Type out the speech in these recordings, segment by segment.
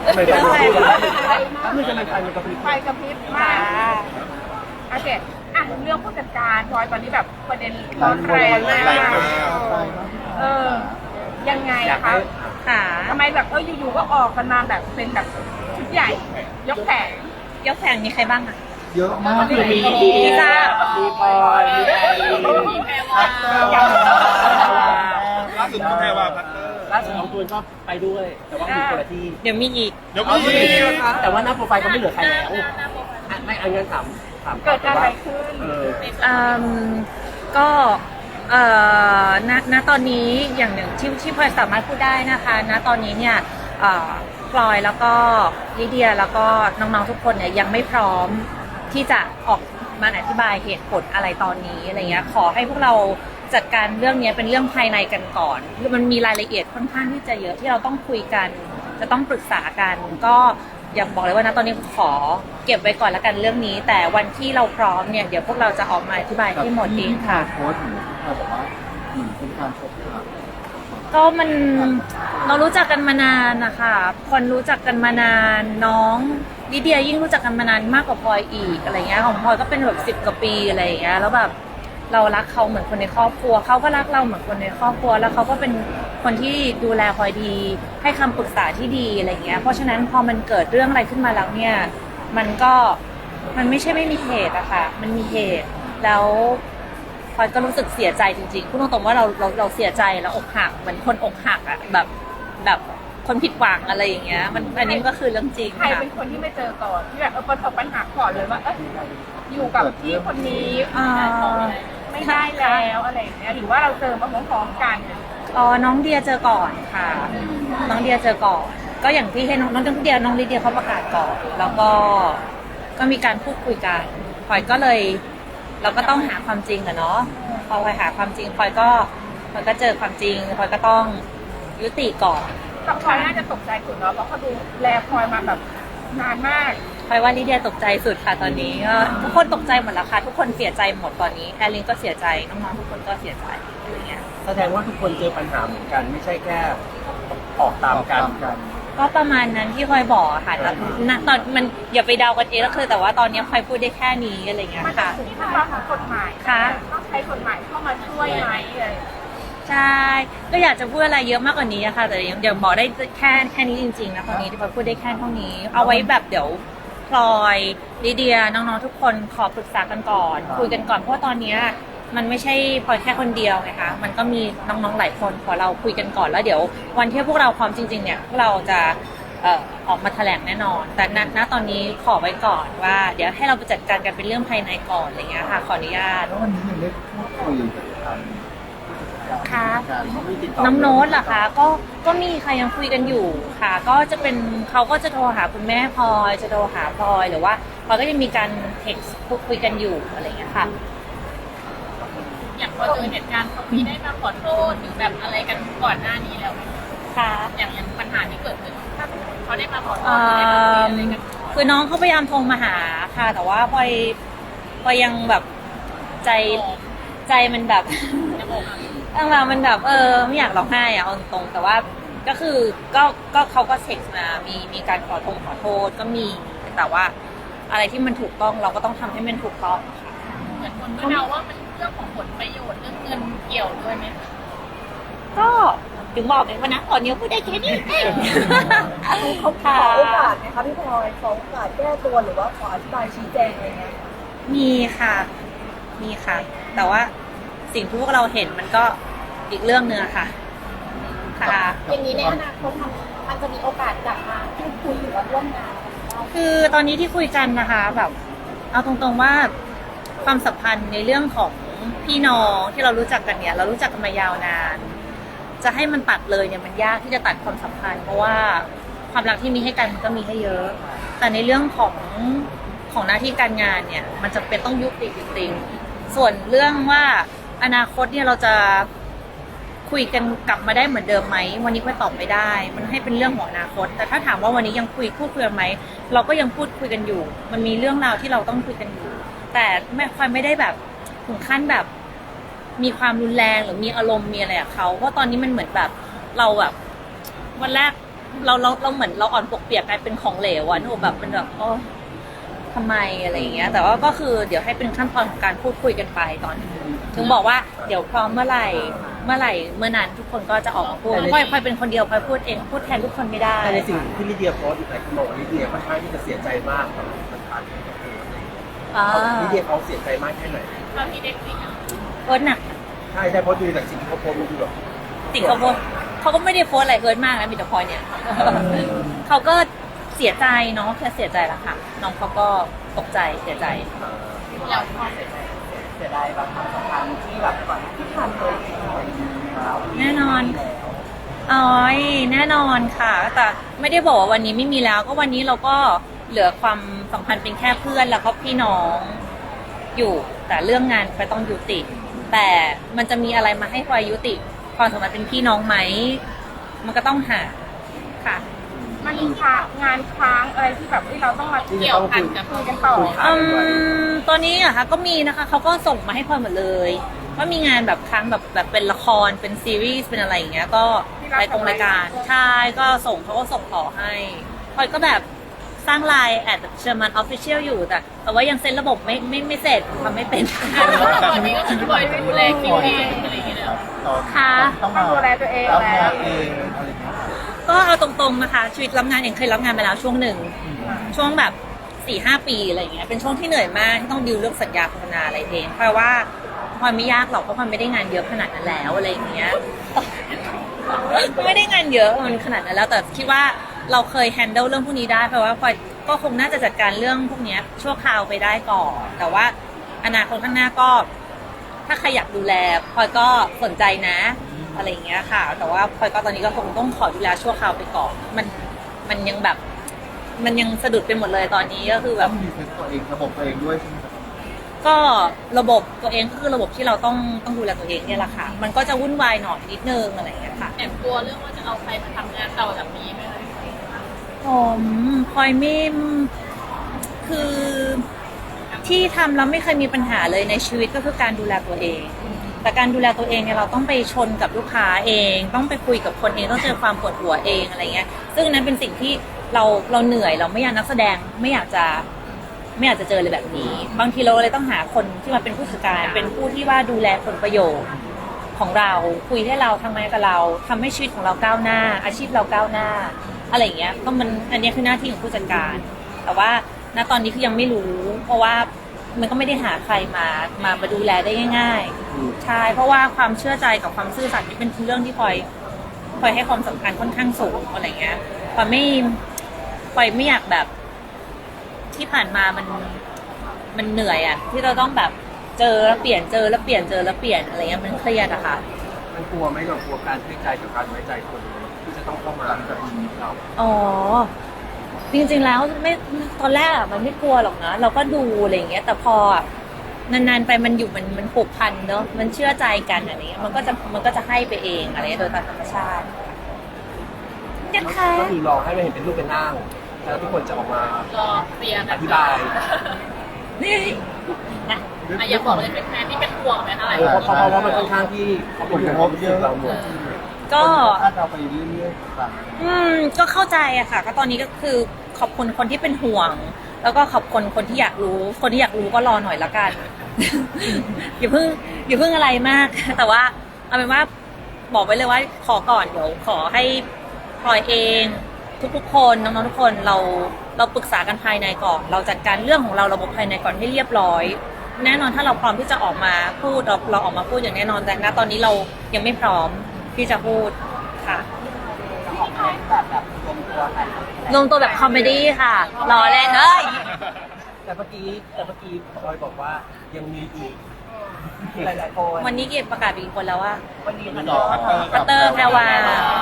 ไม่ได้ไม่จะมันไฟมันกระพริบไฟกระพริบมากโอเคอ่ะเรื่องผู้จัดการพลอยตอนนี้แบบประเด็นร้อนแรงมากยังไงคะค่ะทำไมแบบอยู่ๆก็ออกกันมาแบบเป็นแบบชุดใหญ่ยกแผงยกแผงมีใครบ้างอะเยอะมากเลยพี่จ้ามีปอยมีแพรวาล่าสุดก็แพรว่าพัตเตอร์ล่าสุดน้องตูนก็ไปด้วย แต่ว่ามีคนละที่เดี๋ยวมีอีกเดี๋ยวก็มีแต่ว่าหน้าโปรไฟล์ก็ไม่เหลือใครแล้วไม่อันงั้นถามเกิดอะไรขึ้นก็ณตอนนี้อย่างหนึ่งที่พลอยสามารถพูดได้นะคะณตอนนี้เนี่ยพลอยแล้วก็ลิเดียแล้วก็น้องๆทุกคนเนี่ยยังไม่พร้อมที่จะออกมาอธิบายเหตุผลอะไรตอนนี้อะไรเงี้ยขอให้พวกเราจัดการเรื่องนี้เป็นเรื่องภายในกันก่อนคือมันมีรายละเอียดค่อนข้างที่จะเยอะที่เราต้องคุยกันจะต้องปรึกษากันก็ยังบอกเลยว่านะตอนนี้ขอเก็บไว้ก่อนแล้วกันเรื่องนี้แต่วันที่เราพร้อมเนี่ยเดี๋ยวพวกเราจะออกมาอธิบายให้หมดเองค่ะโพสต์หนูที่บอกว่าเป็นการชกค่ะก็มันเรารู้จักกันมานานนะคะคนรู้จักกันมานานน้องลิเดียยิ่งรู้จักกันมานานมากกว่าพลอยอีกอะไรเงี้ยของพลอยก็เป็นแบบ10 กว่าปีอะไรอย่างเงี้ยแล้วแบบเรารักเขาเหมือนคนในครอบครัวเขาก็รักเราเหมือนคนในครอบครัวแล้วเขาก็เป็นคนที่ดูแลพลอยดีให้คำปรึกษาที่ดีอะไรเงี้ยเพราะฉะนั้นพอมันเกิดเรื่องอะไรขึ้นมาแล้วเนี่ยมันไม่ใช่ไม่มีเหตุอะค่ะมันมีเหตุแล้วพลอยก็รู้สึกเสียใจจริงๆพูดตรงๆว่าเราเสียใจแล้วอกหักเหมือนคนอกหักอะแบบคนผิดหวังอะไรอย่างเงี้ยมันอันนี้ก็คือเรื่องจริงใครค่ะเป็นคนที่ไม่เจอก่อนที่แบบประสบปัญหาก่อนเลยว่าอยู่กับพี่คนนี้ไม่ได้แล้วอะไรอย่างเงี้ยหรือว่าเราเจอมาพร้อมๆกันน้องเดียเจอก่อนค่ะน้องเดียเจอก่อนก็อย่างที่ให้น้องลิเดียเขาประกาศก่อนแล้วก็มีการพูดคุยกันพลอยก็เลยเราก็ต้องหาความจริงอะเนาะพอพลอยหาความจริงพลอยก็เจอความจริงพลอยก็ต้องยุติก่อนพลอยน่าจะตกใจสุดเนาะเพราะเขาดูแลพลอยมาแบบนานมากพลอยว่าลิเดียตกใจสุดค่ะตอนนี้ก็ทุกคนตกใจหมดแล้วค่ะทุกคนเสียใจหมดตอนนี้แอลลินก็เสียใจน้องๆทุกคนก็เสียใจอะไรเงี้ยแสดงว่าทุกคนเจอปัญหาเหมือนกันไม่ใช่แค่ออกตามกันก็ประมาณนั้นที่พลอยบอกอะค่ะแต่ณตอนมันอย่าไปเดากันเองก็คือแต่ว่าตอนนี้พลอยพูดได้แค่นี้อะไรเงี้ยมันค่ะถึงขั้นตอนของกฎหมายต้องใช้กฎหมายเข้ามาช่วยไหมอะไรใช่ก็อยากจะพูดอะไรเยอะมากกว่านี้อะค่ะแต่เดี๋ยวบอกได้แค่นี้จริงๆนะตอนนี้ที่พลอยพูดได้แค่เท่านี้เอาไว้แบบเดี๋ยวพลอยลิเดียน้องๆทุกคนขอปรึกษากันก่อนคุยกันก่อนเพราะว่าตอนนี้มันไม่ใช่พลอยแค่คนเดียวไงคะมันก็มีน้องๆหลายคนขอเราคุยกันก่อนแล้วเดี๋ยววันที่พวกเราพร้อมจริงๆเนี่ยพวกเราจะออกมาแถลงแน่นอนแต่ณตอนนี้ขอไว้ก่อนว่าเดี๋ยวให้เราไปจัดการกันเป็นเรื่องภายในก่อนอะไรเงี้ยค่ะขออนุญาตแล้ววันนี้ยังได้พูดคุยกับทางค่ะการไม่ติดต่อน้องโน้ตเหรอคะก็มีค่ะยังคุยกันอยู่ค่ะก็จะเป็นเขาก็จะโทรหาคุณแม่พลอยจะโทรหาพลอยหรือว่าพลอยก็จะมีการเท็กซ์พูดคุยกันอยู่อะไรเงี้ยค่ะอย่างพอเจอเหตุการณ์เขามีได้มาขอโทษหรือแบบอะไรกันก่อนหน้านี้แล้วไหมค่ะอย่างปัญหาที่เกิดขึ้นเขาได้มาขอโทษเอ่หรือได้มาคุยออะไรกันคือน้องเขาพยายามโทรมาหาค่ะ แต่ว่าพลอยยังแบบใจมันแบบ ตั้งแต่มันแบบไม่อยากร้องไห้อะเอาตรงๆแต่ว่าก็คือก็เขาก็เช็คมามีการขอโทษก็มีแต่ว่าอะไรที่มันถูกต้องเราก็ต้องทำให้มันถูกต้องค่ะเหมือนคนก็เดาว่ามันเรื่องของผลประโยชน์เรื่องเงินเกี่ยวด้วยไหมก็ถึงบอกเลยว่านะตอนนี้พูดได้แค่นี้เองเขาขอโอกาสไหมคะพี่พลอยขอโอกาสแก้ตัวหรือว่าขออธิบายชี้แจงอะไรเงี้ยมีค่ะแต่ว่าสิ่งที่พวกเราเห็นมันก็อีกเรื่องเนื้อะค่ะค่ะอย่างนี้ในอนาคตมันจะมีโอกาสกลับมาพูดคุยหรือว่าร่วมงานคือตอนนี้ที่คุยกันนะคะแบบเอาตรงๆว่าความสัมพันธ์ในเรื่องของพี่น้องที่เรารู้จักกันเนี่ยเรารู้จักกันมายาวนานจะให้มันตัดเลยเนี่ยมันยากที่จะตัดความสัมพันธ์เพราะว่าความรักที่มีให้กันมันก็มีให้เยอะแต่ในเรื่องของหน้าที่การงานเนี่ยมันจะเป็นต้องยุติจริงๆส่วนเรื่องว่าอนาคตเนี่ยเราจะคุยกันกลับมาได้เหมือนเดิมไหมวันนี้ก็ตอบไม่ได้มันให้เป็นเรื่องของอนาคตแต่ถ้าถามว่าวันนี้ยังพูดคุยกันไหมเราก็ยังพูดคุยกันอยู่มันมีเรื่องราวที่เราต้องคุยกันอยู่แต่ไม่ได้แบบถึงขั้นแบบมีความรุนแรงหรือมีอารมณ์มีอะไรกับเขาเพราะตอนนี้มันเหมือนแบบเราแบบวันแรกเราเหมือนเราอ่อนปวกเปียกกลายเป็นของเหลวอะหนูแบบมันแบบโอ้ทำไมอะไรอย่างเงี้ยแต่ว่าก็คือเดี๋ยวให้เป็นขั้นตอนของการพูดคุยกันไปตอนนี้ถึงบอกว่าเดี๋ยวพร้อมเมื่อไหร่เมื่อนั้นทุกคนก็จะออกมาพูดพลอยเป็นคนเดียวพลอยพูดเองพูดแทนทุกคนไม่ได้แต่ในสิ่งที่ลิเดียโพสต์อีกหลายคนบอกว่าลิเดียค่อนข้างที่จะเสียใจมากกับปัญหาที่เกิดขึ้นลิเดียเขาเสียใจมากแค่ไหนตอนที่เด็กสิงห์โพสต์หนักใช่เพราะดูจากสิ่งที่เขาโพสต์มันดูแบบติเขาโพสต์เขาก็ไม่ได้โพสต์อะไรเฮิร์ตมากนะมีแต่พลอยเนี่ยเขาก็เสียใจน้องแค่เสียใจละค่ะน้องเขาก็ตกใจเสียใจอย่างพอเสียดายแบบความสัมพันธ์ที่แบบก่อนที่ผ่านเคยแน่นอนอ๋อยแน่นอนค่ะ แต่ไม่ได้บอกว่าวันนี้ไม่มีแล้ว ก็วันนี้เราก็เหลือความสัมพันธ์เป็นแค่เพื่อนแล้วก็พี่น้องอยู่ แต่เรื่องงานพลอยต้องยุติ แต่มันจะมีอะไรมาให้พลอยยุติความสัมพันธ์เป็นพี่น้องไหม มันก็ต้องหาค่ะมันมีงานค้างอะไรที่แบบเราต้องมาเกี่ยวพันกับคุยกันต่อตอนนี้อะค่ะก็มีนะคะเขาก็ส่งมาให้พลอยหมดเลยว่ามีงานแบบครั้งแบบเป็นละครเป็นซีรีส์เป็นอะไรอย่างเงี้ยก็รายการใช่ก็ส่งเขาก็ส่งต่อให้พลอยก็แบบสร้างไลน์แอดเชอร์มันออฟฟิเชียลอยู่แต่ว่ายังเซ็นระบบไม่เสร็จทำไม่เป็นตอนนี้ก็คือปล่อยดูแลคิวเองอะไรอย่างเงี้ยแล้วค่ะต้องดูแลตัวเองแล้วก็เอาตรงๆนะคะชีวิตรับงานเองเคยรับงานไปแล้วช่วงหนึ่งช่วงแบบ4-5 ปีอะไรอย่างเงี้ยเป็นช่วงที่เหนื่อยมากที่ต้องดิวเรื่องสัญญาโฆษณาอะไรเองเพราะว่าพลอยไม่ยากหรอกเพราะพลอยไม่ได้งานเยอะขนาดนั้นแล้วอะไรอย่างเงี้ยไม่ได้งานเยอะมันขนาดนั้นแล้วแต่คิดว่าเราเคยแฮนเดิลเรื่องพวกนี้ได้เพราะว่าพลอยก็คงน่าจะจัดการเรื่องพวกนี้ชั่วคราวไปได้ก่อนแต่ว่าอนาคตข้างหน้าก็ถ้าใครอยากดูแลพลอยก็สนใจนะอะไรอย่างเงี้ยค่ะแต่ว่าพลอยก็ตอนนี้ก็คงต้องขอดูแลชั่วคราวไปก่อนมันยังแบบมันยังสะดุดไปหมดเลยตอนนี้ก็คือแบบมีตัวเองระบบตัวเองด้วยใช่ไหมครับก็ระบบตัวเองก็คือระบบที่เราต้องดูแลตัวเองเนี่ยแหละค่ะมันก็จะวุ่นวายหน่อยนิดนึงอะไรอย่างเงี้ยค่ะแอบกลัวเรื่องว่าจะเอาใครมาทำงานต่อจากนี้ไหมคะผมพลอยไม่คือที่ทำแล้วไม่เคยมีปัญหาเลยในชีวิตก็คือการดูแลตัวเอง แต่การดูแลตัวเองเนี่ยเราต้องไปชนกับลูกค้าเอง ต้องไปคุยกับคนเองต้องเจอความปวดหัวเองอะไรเงี้ยซึ่งนั้นเป็นสิ่งที่เราเหนื่อยเราไม่อยากนักแสดงไม่อยากจะเจออะไรแบบนี้ บางทีเราเลยต้องหาคนที่มาเป็นผู้จัดการเป็นผู้ที่ว่าดูแลผลประโยชน์ของเราคุยให้เราทำงานกับเราทำให้ชีวิตของเราก้าวหน้า อาชีพเราก้าวหน้าอะไรอย่างเงี้ยก็มันอันนี้คือหน้าที่ของผู้จัดการ แต่ว่าณตอนนี้คือยังไม่รู้ เพราะว่ามันก็ไม่ได้หาใครมาดูแลได้ง่ายๆใช่เพราะว่าความเชื่อใจกับความซื่อสัตย์นี่เป็นเรื่องที่พลอยให้ความสำคัญค่อนข้างสูงอะไรเงี้ยพลอยไม่อยากแบบที่ผ่านมามันเหนื่อยอะที่เราต้องแบบเจอแล้วเปลี่ยนเจอแล้วเปลี่ยนเจอแล้วเปลี่ยนอะไรเงี้ยมันเครียดอะค่ะมันกลัวไหมเรากลัวการให้ใจกับการไว้ใจคนที่จะต้องเข้ามากับชีวิตเราอ๋อจริงๆแล้วไม่ตอนแรกอะมันไม่กลัวหรอกนะเราก็ดูอะไรอย่างเงี้ยแต่พอนานๆไปมันอยู่มันผูกพันเนอะมันเชื่อใจกันอะไรเงี้ยมันก็จะให้ไปเองอะไรโดยตามธรรมชาตินะคะก็คือรอให้มันเห็นเป็นรูปเป็นร่างแล้วทุกคนจะออกมารอเคลียร์อกันธิบายนี่นะอยากบอกเลยเป็นแฟนที่เป็นห่วงไหมคะหลายคนเพราะว่ามันค่อนข้างที่เขาเป็นห่วงเยอะเราหมดก็ถ้าเราไปเรื่อยๆต่างก็เข้าใจอะค่ะ ก็ตอนนี้ก็คือขอบคุณคนที่เป็นห่วง แล้วก็ขอบคุณคนที่อยากรู้ คนที่อยากรู้ก็รอหน่อยละกัน อย่าเพิ่งอะไรมาก แต่ว่าเอาเป็นว่าบอกไว้เลยว่าขอก่อนเดี๋ยวขอให้พลอยเองทุกๆคนน้องๆทุกคนเราปรึกษากันภายในก่อนเราจัดการเรื่องของเราระบบภายในก่อนให้เรียบร้อย แน่นอนถ้าเราพร้อมที่จะออกมาพูดเราออกมาพูดอย่างแน่นอนแต่ณตอนนี้เรายังไม่พร้อมที่จะพูดค่ะลงตัวแบบคอมเมดี้ค่ะรอเล่นเลยแต่เมื่อกี้พลอยบอกว่ายังมีอีกหลายๆคนวันนี้เกียรติประกาศไปกี่คนแล้วว่าวันนี้มันต่อพัตเตอร์แพรวา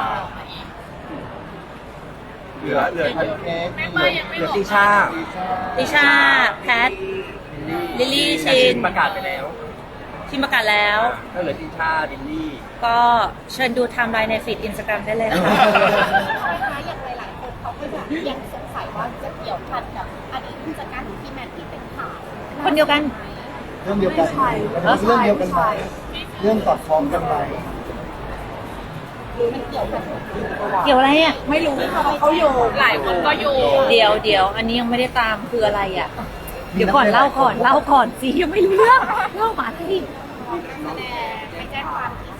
เหลือพันเค้กแม่ป้ายังไม่เหลืบออกติชาติชาแพทลิลลี่ชินประกาศไปแล้วชินประกาศแล้วก็เหลือติชาดิลลี่ก็เชิญดูไทม์ไลน์ในฟีดอินสตาแกรมได้เลยค่ะอย่างหลายๆคนเขาก็แบบยังสงสัยว่าจะเกี่ยวพันกับอดีตผู้จัดการของพี่แมทที่เป็นข่าวคนเดียวกันเรื่องเดียวกันเรื่องเดียวกันไหมเรื่องสอดคล้องกันไหมหรือมันเกี่ยวกันเกี่ยวอะไรอ่ะไม่รู้เขาโยงหลายคนก็อยู่เดี๋ยวอันนี้ยังไม่ได้ตามคืออะไรอ่ะ เดี๋ยวก่อนเล่าก่อนสิยังไม่รู้เรื่องเล่ามาสิไปแจ้งความที่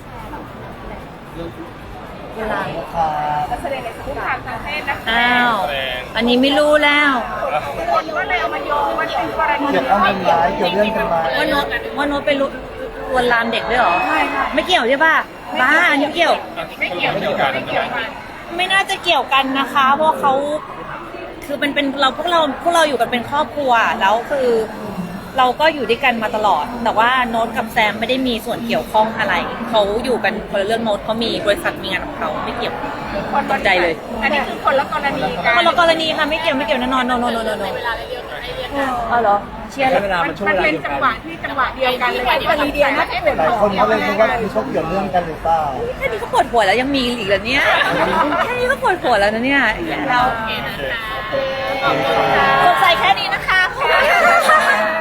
แชร์เวลานักแสดงในคุกคามทางเพศนะคะอ้าวอันนี้ไม่รู้แล้วคนก็เลยเอามาโยงว่าเป็นกรณีเกี่ยวกับทำร้ายเกี่ยวเรื่องทำร้ายว่าโน้ตไปลวนลามเด็กด้วยเหรอไม่เกี่ยวใช่ป่ะบ้าอันนี้ไม่เกี่ยวไม่เกี่ยวกันไม่เกี่ยวกันไม่น่าจะเกี่ยวกันนะคะ เพราะเขาคือเป็นเราพวกเราอยู่กันเป็นครอบครัวแล้วคือเราก็อยู่ด้วยกันมาตลอด แต่ว่าโน้ตกับแซมไม่ได้มีส่วนเกี่ยวข้องอะไรเขาอยู่กันคนละเรื่องโน้ตเขามีบริษัทมีงานของเขาไม่เกี่ยวคนละใจเลยอันนี้คือคนละกรณีกันคนละกรณีค่ะไม่เกี่ยวแน่นอนโนเวลาเรียกให้เรียกกันอ๋อเหรอเชียร์ใช้เวลามันช่วงมันเวลาเป็นเดียวจักังนหวะที่จังหวะเดียวกันเลยกรณีเดียวนะที่เป็นหลายคนเขาเลยคิดว่ามีเขาเกี่ยวเรื่องกันหรือเปล่าแค่นี้ก็ปวดหัวแล้วยังมีอีกเหรอเนี่ยแค่นี้ก็ปวดหัวแล้วนะเนี่ยเราโอเคนะคะสงสัยแค่นี้นะคะขอบคุณค่ะ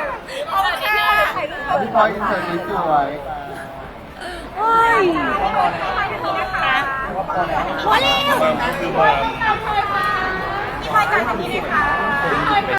พี่พลอยอินเสิร์ตสวยโอ้ยพอแล้วพี่พลอยจ่ายแบบนี้เลยค่ะ